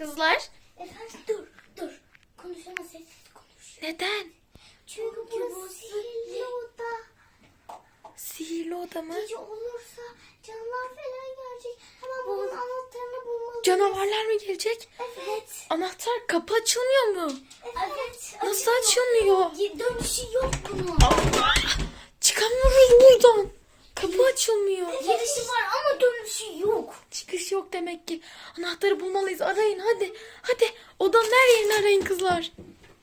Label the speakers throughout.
Speaker 1: Kızlar.
Speaker 2: Efendim dur. Konuşama, sessiz konuş.
Speaker 1: Neden?
Speaker 2: Çünkü bu sihirli oda.
Speaker 1: Sihirli oda mı?
Speaker 2: Gece olursa canlar falan gelecek. Hemen bunun anahtarını bulmalıyız.
Speaker 1: Canavarlar mı gelecek?
Speaker 2: Evet.
Speaker 1: Anahtar kapı açılmıyor mu?
Speaker 2: Evet.
Speaker 1: Nasıl açılmıyor?
Speaker 2: Dönüşü yok bunun.
Speaker 1: Allah! Çıkamıyoruz buradan. Kapı açılmıyor.
Speaker 2: Girişi var ama dönüşü yok.
Speaker 1: Çıkış yok demek ki. Anahtarı bulmalıyız. Arayın hadi. Hadi odanın her yerini arayın kızlar.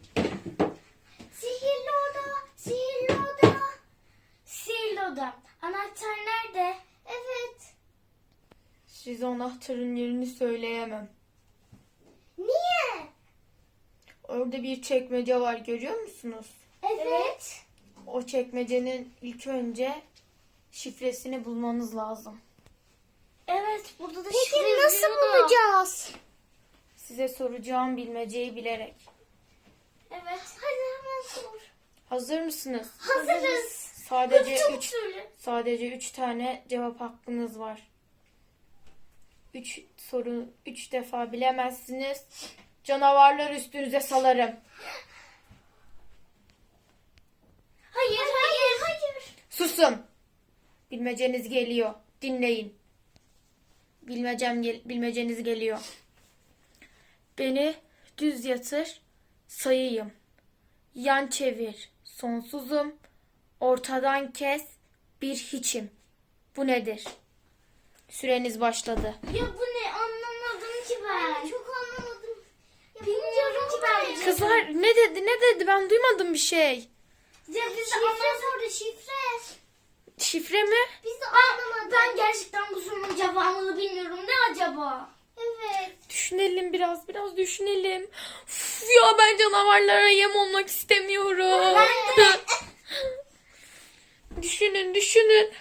Speaker 2: Sihirli oda. Sihirli oda. Sihirli oda. Anahtar nerede? Evet.
Speaker 1: Size anahtarın yerini söyleyemem.
Speaker 2: Niye?
Speaker 1: Orada bir çekmece var, görüyor musunuz?
Speaker 2: Evet.
Speaker 1: O çekmecenin ilk önce şifresini bulmanız lazım.
Speaker 2: Evet, burada da Peki nasıl bulacağız?
Speaker 1: Size soracağım bilmeceyi bilerek.
Speaker 2: Evet. Hadi hemen sor.
Speaker 1: Hazır mısınız?
Speaker 2: Hazırız.
Speaker 1: Sadece
Speaker 2: Çabuk
Speaker 1: 3
Speaker 2: söyle.
Speaker 1: sadece 3 tane cevap hakkınız var. 3 soru 3 defa bilemezsiniz. Canavarlar üstünüze salarım.
Speaker 2: Hayır.
Speaker 1: Susun. Bilmeceniz geliyor. Dinleyin. Bilmeceniz geliyor. Beni düz yatır, sayayım. Yan çevir, sonsuzum. Ortadan kes, bir hiçim. Bu nedir? Süreniz başladı.
Speaker 2: Ya bu ne? Anlamadım ki ben. Çok anlamadım. Bilmiyorum ki ben.
Speaker 1: Kızlar ne dedi? Ben duymadım bir şey.
Speaker 2: Ya biz de anlamadık. Şifre.
Speaker 1: Şifre mi?
Speaker 2: Biz de anlamadık. Ben gerçekten bu sorunun cevabını bilmiyorum. Ne acaba? Evet.
Speaker 1: Düşünelim biraz düşünelim. Uf, ya ben canavarlara yem olmak istemiyorum.
Speaker 2: Ben de.
Speaker 1: Düşünün.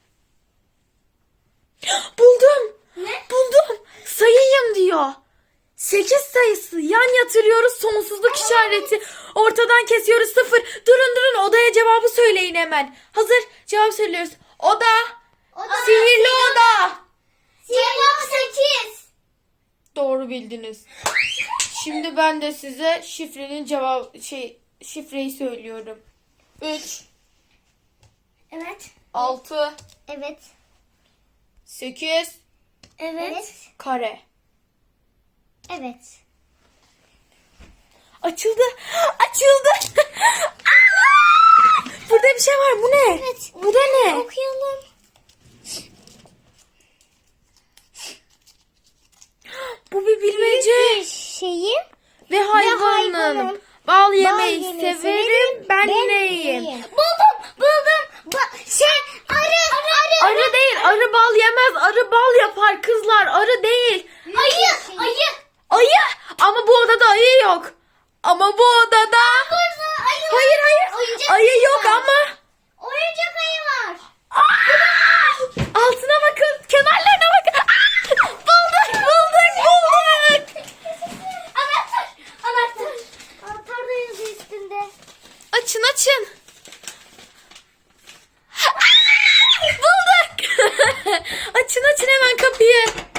Speaker 1: Buldum.
Speaker 2: Ne?
Speaker 1: Buldum. Sayayım diyor. 8 sayısı. Yan yatırıyoruz, sonsuzluk işareti. Ortadan kesiyoruz 0. Durun odaya cevabı söyleyin hemen. Hazır, cevap söylüyoruz. Oda. Sihirli oda.
Speaker 2: Cevap 8.
Speaker 1: Doğru bildiniz. Şimdi ben de size şifreyi söylüyorum. 3
Speaker 2: Evet.
Speaker 1: 6
Speaker 2: Evet.
Speaker 1: 8
Speaker 2: Evet.
Speaker 1: kare.
Speaker 2: Evet.
Speaker 1: Açıldı. Burada bir şey var. Bu ne?
Speaker 2: Evet.
Speaker 1: Bu da ne?
Speaker 2: Okuyalım.
Speaker 1: Bu bir bilmece.
Speaker 2: Şeyim.
Speaker 1: Ve hayvanım.
Speaker 2: hayvanım.
Speaker 1: Bal yemeyi severim. Ben neyim?
Speaker 2: Buldum. Arı.
Speaker 1: Arı değil. Arı bal yemez. Arı bal yapar kızlar. Arı değil.
Speaker 2: Ayı.
Speaker 1: Ayı. Ama bu odada ayı yok. Ama bu odada... Hayır.
Speaker 2: Oyuncak
Speaker 1: Ayı yok ama...
Speaker 2: Oyuncak ayı var.
Speaker 1: Altına bakın. Kenarlarına bakın. Bulduk.
Speaker 2: Anahtar. Anahtar da yazıyor üstünde.
Speaker 1: Açın. Bulduk. Açın hemen kapıyı.